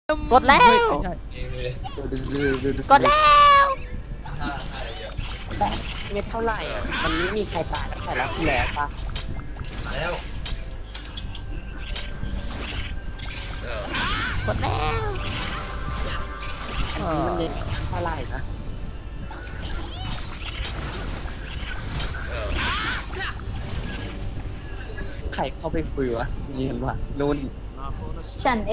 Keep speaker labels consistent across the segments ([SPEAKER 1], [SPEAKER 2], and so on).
[SPEAKER 1] กดแล้วกดแล้ว
[SPEAKER 2] แบงค์เม็ดเท่าไหร่อ่ะมันไม่มีใครตายตั้งแต่รอบที่แล้วปะแล้ว
[SPEAKER 1] กดแล้ว
[SPEAKER 2] อันนี้มันเม็ดเท่าไหร่นะใครเข้าไปคุยวะเย็นว่ะนุ่น
[SPEAKER 3] ฉันเอง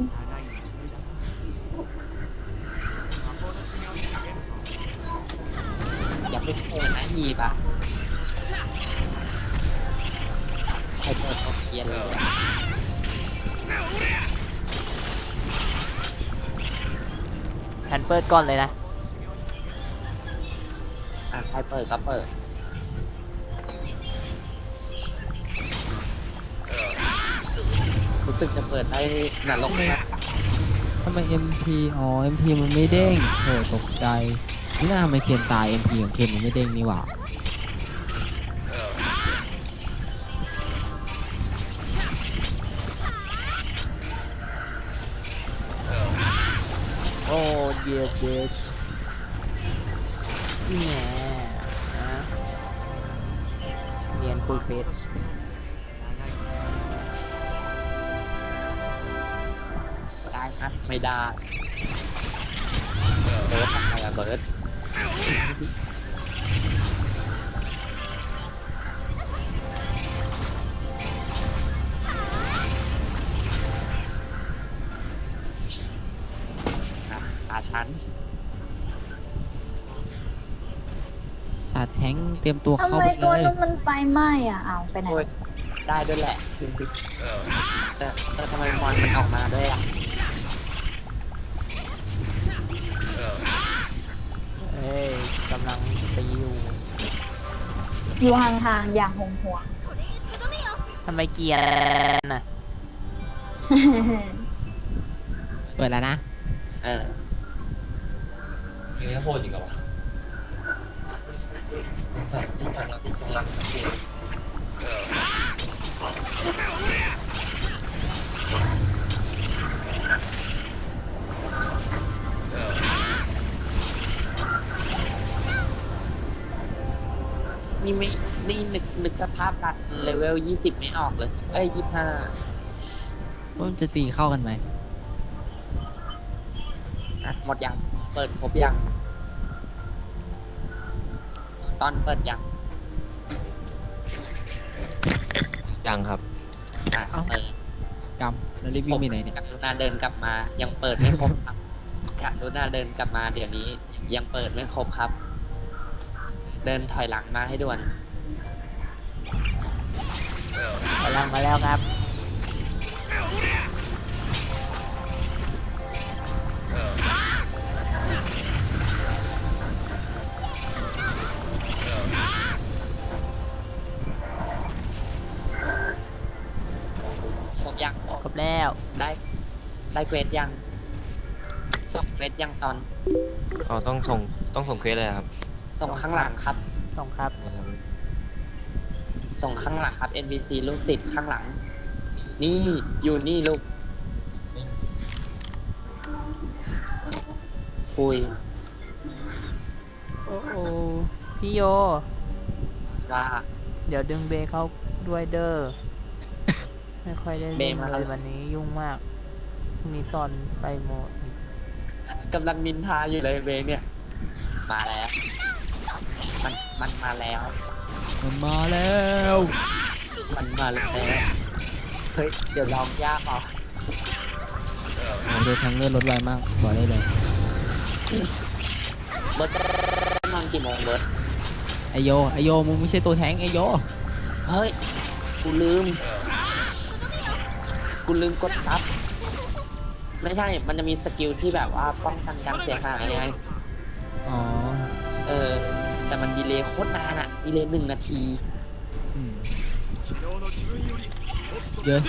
[SPEAKER 2] อย่าไปโผล่นะฮีปะใครเปิดโอเคียนเลย
[SPEAKER 1] ฉันเปิดก่อนเลยนะ
[SPEAKER 2] ใครเปิดก็เปิดรู้สึกจะเปิดได้นรกมาก
[SPEAKER 4] ทำไม MP อ๋อ MP มันไม่เด้งโหตกใจนี่น่าทำไมเคนตาย MP ของเคนมันไม่เด้งนี่หว่า
[SPEAKER 1] โอ้เยสเยสนี่แหละนะเรียนคุยเฟซ
[SPEAKER 2] ได้ครับไม่ได้เบิร์ดทำไมอะเบิร์ดตาฉัน
[SPEAKER 4] ชาร์จแทงค์เตรียมตัว
[SPEAKER 3] ทำ
[SPEAKER 4] เข้า
[SPEAKER 3] ไม
[SPEAKER 4] ไป
[SPEAKER 3] ตัว
[SPEAKER 4] เลย
[SPEAKER 3] นั้นมันไฟไหม้อ่ะเอาไปไหน
[SPEAKER 2] โอ้ยได้ด้วยแหละแต่ทำไมมอนมันออกมาด้วยอ่ะ
[SPEAKER 1] เอ้ยกำลังตีอยู่
[SPEAKER 3] อยู่ห่างๆอย่างห่วง
[SPEAKER 1] ทำไมเกียร์น่ะ
[SPEAKER 3] ๆ
[SPEAKER 4] เปิดแล้วนะ
[SPEAKER 5] นี่โหดจริงเหรอวะสั่งแล้วติดของรัก
[SPEAKER 2] นี่ไม่นี่นึกสภาพรัดเลเวล20ไม่ออกเลยเอ้ย25
[SPEAKER 4] ว่ามันจะตีเข้ากันไหม
[SPEAKER 2] หมดยังเปิดครบยังตอนเปิดยัง
[SPEAKER 5] ยังครับ
[SPEAKER 2] เปิด
[SPEAKER 4] กำแล้วรีบวิ่งไปไหนเนี่ย
[SPEAKER 2] กรุณาเดินกลับมายังเปิดไม่ครบครับกรุณาเดินกลับมาเดี๋ยวนี้ยังเปิดไม่ครบครับ เดินถอยหลังมาให้ด่วน
[SPEAKER 1] กำลังมาแล้วครับ
[SPEAKER 2] ครบยัง
[SPEAKER 1] ครบแล้ว
[SPEAKER 2] ได้เกรดยังส่งเกรดยังตอน
[SPEAKER 5] อ๋อต้องส่งเควสเลยครับ
[SPEAKER 2] ส่งข้างหลังครับ
[SPEAKER 1] ส่งครับ
[SPEAKER 2] ส่งข้างหลังครับ NPC ลูกศิษย์ข้างหลัง นี่อยู่นี่ลูกคุย
[SPEAKER 1] โอ้โหพี่โย
[SPEAKER 2] ว่า
[SPEAKER 1] เดี๋ยวดึงเบย์เข้าด้วยเด้อ ไม่ค่อยได้
[SPEAKER 2] เบ
[SPEAKER 1] เล่น
[SPEAKER 2] ย์มา
[SPEAKER 1] เลยวันนี้ยุ่งมากพรุ่งนี้ตอนไปโมอีก
[SPEAKER 2] กำลังนินทาอยู่เลยเบเนี่ย มาแล้ว มันมาแล้ว
[SPEAKER 4] มันมาแล้ว
[SPEAKER 2] มันมาแล้วเฮ้ยเดี๋ยวลองยากเอา
[SPEAKER 4] โอ้โหดูแทงเลือดลดไวมากบอกได้เลย
[SPEAKER 2] เบิร์ดจะนอนกี่โมงเบิร์ด
[SPEAKER 4] ไอโยมึงไม่ใช่ตัวแทงค์ไอโย
[SPEAKER 2] เฮ้ยกูลืมกดซับไม่ใช่มันจะมีสกิลที่แบบว่าป้องกันการเสียหายไง
[SPEAKER 4] อ๋อ
[SPEAKER 2] แต่มันดีเลย์โคตรนานอะดีเลย์1 นาที
[SPEAKER 4] อืมเยอะ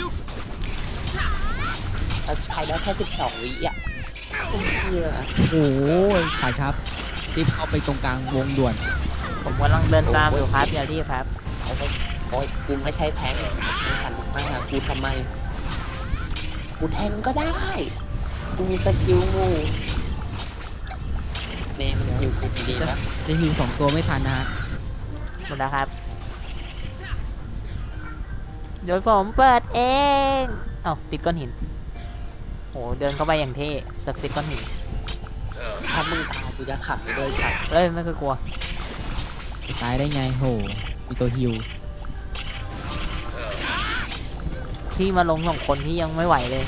[SPEAKER 2] เราใช้ได้แค่12 วิอ่ะคุ้มเยอะ
[SPEAKER 4] โอ้โหถ่ายครับรีบเข้าไปตรงกลางวงด่วน
[SPEAKER 1] ผมกำลังเดินตามอยู่ครับอย่ารีบครับ
[SPEAKER 2] โอ้ยกูไม่ใช่แพงไม่หันมาหากูทำไม กูแทงก็ได้ แทกูมีสกิลงูเนมฮิวกูดีนะ
[SPEAKER 4] จะฮิว2 ตัวไม่ทันนะฮะ
[SPEAKER 1] หมดแล้วครับเดี๋ยวผมเปิดเองเอ้าติดก้อนหินโหเดินเข้าไปอย่างเท่สักติดก้อนหิน
[SPEAKER 2] ถ้ามึงตายกูจะขับไปด้วยครับ
[SPEAKER 1] เอ้ยไม่เคยกลัว
[SPEAKER 4] ตายได้ไงโหมีตัวฮิว
[SPEAKER 1] ที่มาลง2 คนที่ยังไม่ไหวเลย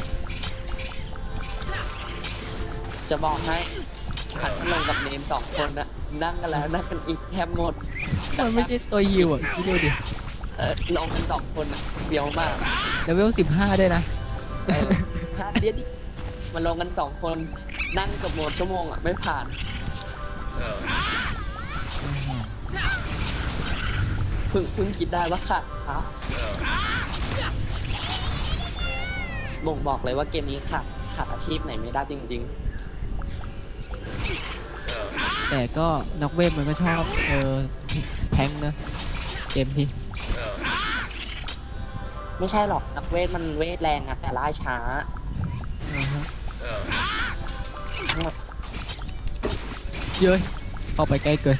[SPEAKER 2] จะบอกให้ฉันลงกับเนม2 คนนะนั่งกันแล้วนั่งกันอีกแทบหมด
[SPEAKER 4] มันไม่ใช่ตัวฮิวอ่ะคิดดูดิ
[SPEAKER 2] ลงกัน2 คนอะเบียวมาก
[SPEAKER 4] เลเวล15ด้วยนะ
[SPEAKER 2] พลาดเดียวดิมันลงกัน2 คนนั่งเกับหมดชั่วโมงอ่ะไม่ผ่านเพิ่งคิดได้ว่าขาดบ่งบอกเลยว่าเกมนี้ขาดอาชีพไหนไม่ได้จริง
[SPEAKER 4] แต่ก็นักเวทมันก็ชอบแทงค์นะเกมนี้
[SPEAKER 2] ๆ ไม่ใช่หรอกนักเวทมันเวทแรงอะแต่ล่าช้า
[SPEAKER 4] เย้ยเข้าไปใกล้เกิน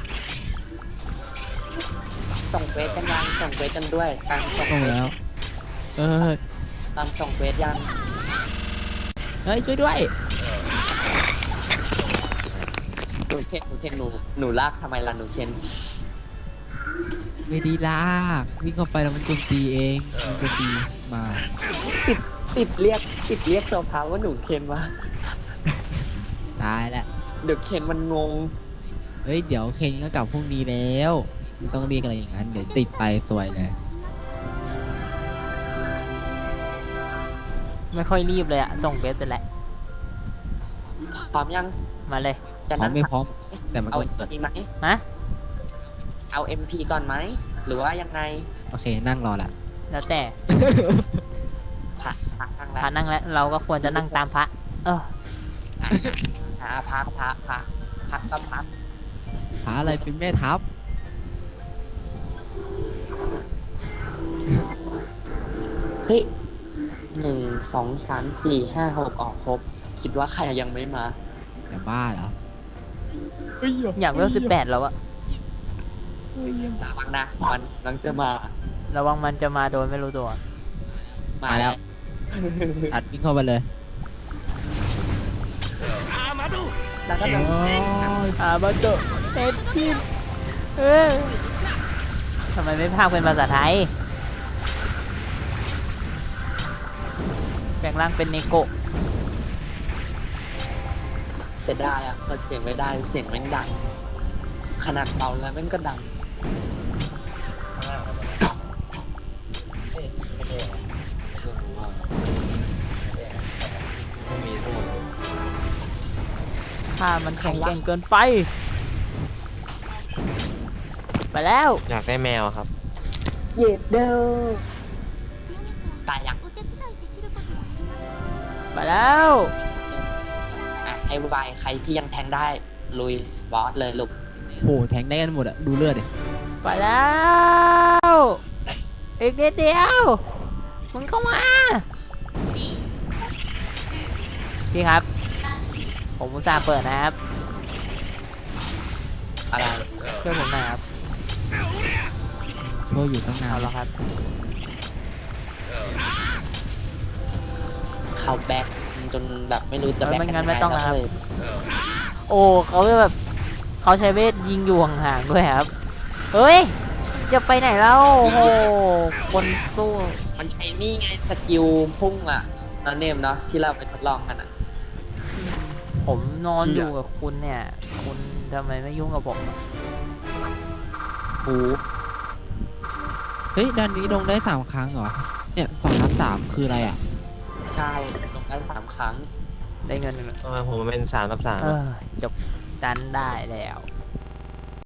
[SPEAKER 2] ส่งเวทกันยังส่งเวทกันด้วยตามส่ง
[SPEAKER 4] ตรง
[SPEAKER 2] เวท
[SPEAKER 4] แล้ว
[SPEAKER 2] ตามส่งเวทยัง
[SPEAKER 4] เฮ้ยช่วยด้วย
[SPEAKER 2] หนูเคนหนูลากทำไมล่ะหนูเคน
[SPEAKER 4] ไม่ดีลากวิ่งเข้าไปแล้วมันโจมตีเองมันโจมตีมา
[SPEAKER 2] ติดเรียกตัวพาว่าหนูเคนวะ
[SPEAKER 4] ตายแล้ว
[SPEAKER 2] เดี๋ยวเคนมันงง
[SPEAKER 4] เฮ้ยเดี๋ยวเคนก็กลับพรุ่งนี้แล้วไม่ต้องเรียกอะไรอย่างนั้นเดี๋ยวติดไปสวยเลย
[SPEAKER 1] ไม่ค่อยรีบเลยอะส่งเบสไปแล้ว
[SPEAKER 2] พร้อมยัง
[SPEAKER 1] มาเลย
[SPEAKER 2] จะ
[SPEAKER 4] พร้อ
[SPEAKER 2] นั่
[SPEAKER 4] ม
[SPEAKER 2] ง
[SPEAKER 4] ไม่พร้อมแต่มัน
[SPEAKER 2] เอา
[SPEAKER 4] ก็เกิด
[SPEAKER 2] MP ไหม
[SPEAKER 1] ฮะ
[SPEAKER 2] เอา MP ก่อนไหมหรือว่ายังไง
[SPEAKER 4] โอเคนั่งรอละ
[SPEAKER 1] แล้วแต่
[SPEAKER 2] พักนั่งแล้ว
[SPEAKER 1] พระนั่งแล้วเราก็ควรจะนั่งตามพระ เออ
[SPEAKER 2] พักก็พัก
[SPEAKER 4] หาอะไรเป็นแม่ทัพ
[SPEAKER 2] เฮ้ย1 2 3 4 5 6ออกครบ คิดว่าใครยังไม่มา
[SPEAKER 4] อย่าบ้าเหรอ
[SPEAKER 1] อยากเวล18แล้วอะ
[SPEAKER 2] ระวังนะมันจะมา
[SPEAKER 1] ระวังมันจะมาโดยไม่รู้ตัว
[SPEAKER 2] มา
[SPEAKER 4] มาแล้วตัดวิ่งเข้าไปเลย
[SPEAKER 2] แล้วก็
[SPEAKER 4] โอ้
[SPEAKER 1] มาโดเต็มชิ้นเออทำไมไม่พากเป็นภาษาไทย แปลงร่างเป็นเนโกะ
[SPEAKER 2] เสียดายอ่ะเปิดเสียงไม่ได้เสียงแม่งดัง ขนาดเบาแล้วแม่งก็ดัง
[SPEAKER 5] มีทั้งหมด
[SPEAKER 1] ถ้ามันแข็งแกร่งเกินไป ไปแล้ว
[SPEAKER 5] อยากได้แมวครับ
[SPEAKER 3] เหยียดเด้อ
[SPEAKER 2] ตายยัง
[SPEAKER 1] ไปแล้ว
[SPEAKER 2] ให้วายใครที่ยังแทงได้ลุยบอสเลยลูก
[SPEAKER 4] โหแทงได้กันหมดอะดูเลือดดิ
[SPEAKER 1] ไปแล้ว อีกนิดเดียว มึงเข้ามา พี่ครับ ผมอุตส่าห์เปิดนะครับ
[SPEAKER 2] อะไร
[SPEAKER 1] ช่วยผมหน่อยครับ
[SPEAKER 4] โชว์อยู่ตั้งนาน
[SPEAKER 1] เอาแล้วครับ
[SPEAKER 2] เขาแบ็กจนแบบไม่รู้จะแบ็ก
[SPEAKER 1] ไม่งั้นไม่ต้องแล้วครับ
[SPEAKER 2] เลย
[SPEAKER 1] โอ้เขาแบบเขาใช้เวทยิงอยู่ห่างๆด้วยครับ เฮ้ย จะไปไหนแล้ว โอ้โห คนสู้
[SPEAKER 2] มันใช้นี่ไงสกิลพุ่งอ่ะนั่นเนมเนาะที่เราไปทดลองกันอ่ะ
[SPEAKER 1] ผมนอนอยู่กับคุณเนี่ย คุณทำไมไม่ยุ่งกับผมอะ
[SPEAKER 2] หู
[SPEAKER 4] เฮ้ยด้านนี้ลงได้3 ครั้งเหรอเนี่ย2/3คืออะไรอ่ะ
[SPEAKER 2] ใช่ลงได้3 ครั้ง
[SPEAKER 1] ได้เงินหนึ่ง
[SPEAKER 5] ทำไมผมเป็น3/3
[SPEAKER 1] เออจบดันได้แล้ว